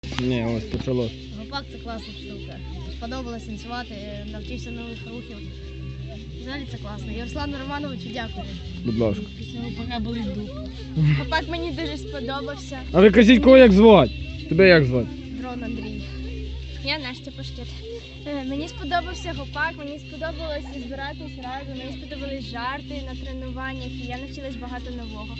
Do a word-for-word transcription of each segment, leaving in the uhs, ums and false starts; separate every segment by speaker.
Speaker 1: Ні, ось почалось.
Speaker 2: Гопак це класна штука. Сподобалось танцювати, навчився нових рухів. Взагалі це класно. І Руслану Романовичу дякую.
Speaker 1: Будь ласка.
Speaker 2: Після гопака були дух. Гопак мені дуже сподобався.
Speaker 1: А ви кажіть, кого як звати? Тебе як звати?
Speaker 2: Дрон Андрій. Я Настя Пашкет. Е, Мені сподобався гопак, мені сподобалося збиратись разом, мені сподобались жарти на тренуваннях, і я навчилась багато нового.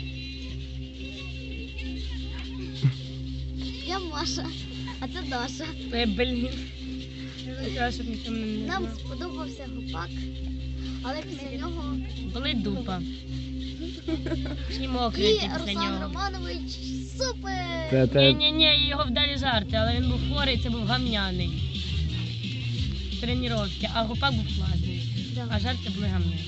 Speaker 3: Я Маша, а це Даша.
Speaker 2: Е, Блін. Треба, щоб ніхто мене не
Speaker 3: Нам
Speaker 2: знав.
Speaker 3: сподобався гопак, але після нього
Speaker 2: Болить дупа. І
Speaker 3: і
Speaker 2: мокрий після
Speaker 3: Руслан
Speaker 2: нього.
Speaker 3: Романович супер!
Speaker 1: Це, це...
Speaker 2: Ні-ні-ні, його вдалі жарти, але він був хворий, це був гамняний. Тренування, а гопак був класний.
Speaker 3: Да.
Speaker 2: А жарти були гамняні.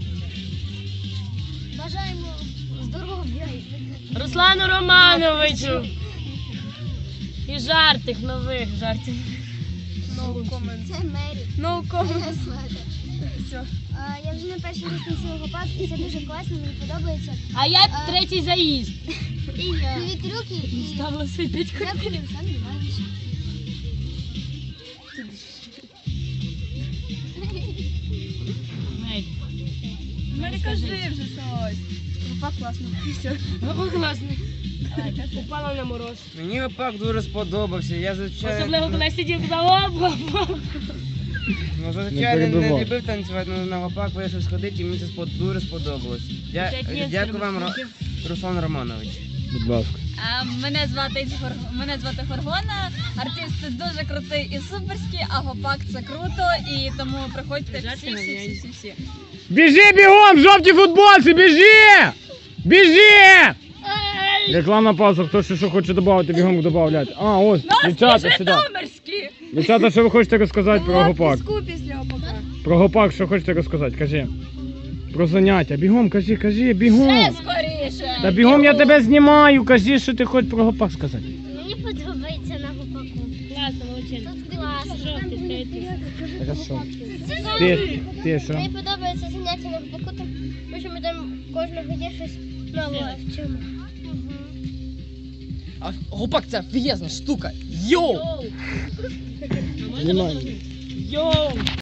Speaker 3: Бажаємо здоров'я.
Speaker 2: Руслану Романовичу! І жартих, нових жартів. No comment.
Speaker 3: Це Мері.
Speaker 2: No comment.
Speaker 3: Все. Я вже не перший раз танцюю гопак, і це дуже класно, мені подобається.
Speaker 2: А я
Speaker 3: А.
Speaker 2: третій заїзд.
Speaker 3: І я. Нові трюки і
Speaker 2: Ставила сидить.
Speaker 3: дякую, Олександр Іванович.
Speaker 2: Мері, кажи вже щось. Гопак класний. Гопак класний. Упала на мороз.
Speaker 4: Мені гопак дуже сподобався. Я звичайно,
Speaker 2: Особливо, коли я сидів за оп-оп-оп.
Speaker 4: ну,
Speaker 1: Не
Speaker 4: звичайно не,
Speaker 1: перебивай.
Speaker 4: любив танцювати, але на гопак вирішив сходити і мені це спод- дуже сподобалось. Я,
Speaker 2: П'ять місць
Speaker 4: дякую вам,
Speaker 2: треба.
Speaker 4: Ро- Руслан Романович.
Speaker 1: Будь ласка.
Speaker 5: А, Мене звати Гор- мене звати Горгона, артист дуже крутий і суперський, а гопак це круто, і тому приходьте всі, всі, всі, всі, всі.
Speaker 1: Біжи бігом, в жовтій футболці, біжи! Біжи! Рекламна пауза, хто ще що хоче додати, бігом додавляйте. А, ось, дівчата, сюди.
Speaker 5: Житомирські!
Speaker 1: Дівчата, що ви хочете розказати про гопак?
Speaker 5: після гопака.
Speaker 1: Про гопак, що хочете розказати, кажи. Про заняття, бігом, кажи, кажи, бігом.
Speaker 5: Скоріше!
Speaker 1: Та бігом я тебе знімаю, кажи, що ти хочеш про гопак сказати.
Speaker 3: Мені подобається на гопаку.
Speaker 2: Класно, молодчина.
Speaker 3: Тут класно.
Speaker 2: Жовтий, третій.
Speaker 1: Хорошо. Ти, ти що?
Speaker 3: Мені подобається заняття на гопаку, тому що ми там кожного дня щось нове вчимо.
Speaker 6: А гопак це офігезна штука. Йоу!
Speaker 1: Знімаємо.
Speaker 2: Йоу!